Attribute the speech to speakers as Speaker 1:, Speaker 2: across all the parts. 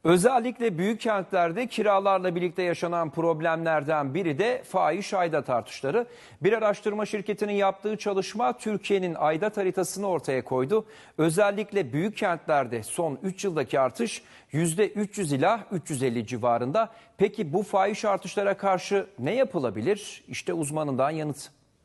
Speaker 1: Özellikle büyük kentlerde kiralarla birlikte yaşanan problemlerden biri de fahiş aidat artışları. Bir araştırma şirketinin yaptığı çalışma Türkiye'nin aidat haritasını ortaya koydu. Özellikle büyük kentlerde son 3 yıldaki artış %300 ila 350 civarında. Peki bu fahiş artışlara karşı ne yapılabilir? İşte uzmanından yanıt.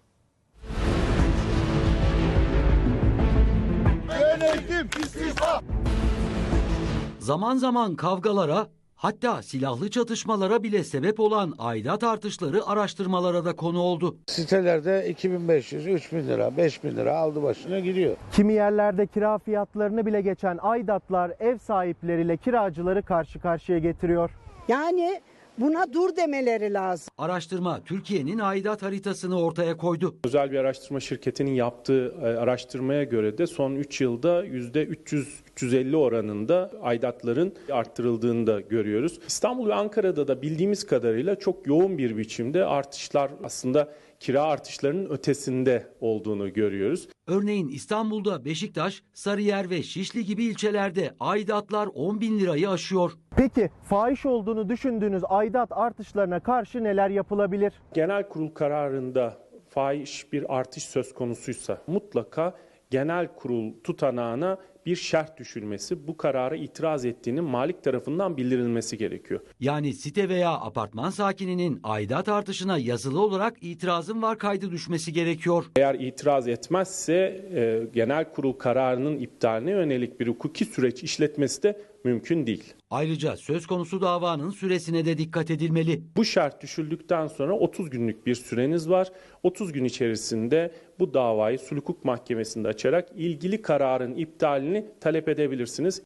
Speaker 2: Yönetim istifa.
Speaker 3: Zaman zaman kavgalara, hatta silahlı çatışmalara bile sebep olan aidat artışları araştırmalara da konu oldu.
Speaker 2: Sitelerde 2500, 3000 lira, 5000 lira aldı başına gidiyor.
Speaker 4: Kimi yerlerde kira fiyatlarını bile geçen aidatlar ev sahipleriyle kiracıları karşı karşıya getiriyor.
Speaker 5: Yani buna dur demeleri lazım.
Speaker 3: Araştırma Türkiye'nin aidat haritasını ortaya koydu.
Speaker 6: Özel bir araştırma şirketinin yaptığı araştırmaya göre de son 3 yılda %300-350 oranında aidatların arttırıldığını da görüyoruz. İstanbul ve Ankara'da da bildiğimiz kadarıyla çok yoğun bir biçimde artışlar aslında kira artışlarının ötesinde olduğunu görüyoruz.
Speaker 3: Örneğin İstanbul'da Beşiktaş, Sarıyer ve Şişli gibi ilçelerde aidatlar 10 bin lirayı aşıyor.
Speaker 4: Peki fahiş olduğunu düşündüğünüz aidat artışlarına karşı neler yapılabilir?
Speaker 6: Genel kurul kararında fahiş bir artış söz konusuysa mutlaka genel kurul tutanağına bir şerh düşülmesi, bu karara itiraz ettiğinin malik tarafından bildirilmesi gerekiyor.
Speaker 3: Yani site veya apartman sakininin aidat artışına yazılı olarak itirazın var kaydı düşmesi gerekiyor.
Speaker 6: Eğer itiraz etmezse genel kurul kararının iptaline yönelik bir hukuki süreç işletmesi de mümkün değil.
Speaker 3: Ayrıca söz konusu davanın süresine de dikkat edilmeli.
Speaker 6: Bu şart düşüldükten sonra 30 günlük bir süreniz var. 30 gün içerisinde bu davayı sulh hukuk mahkemesinde açarak ilgili kararın iptalini talep edebilirsiniz.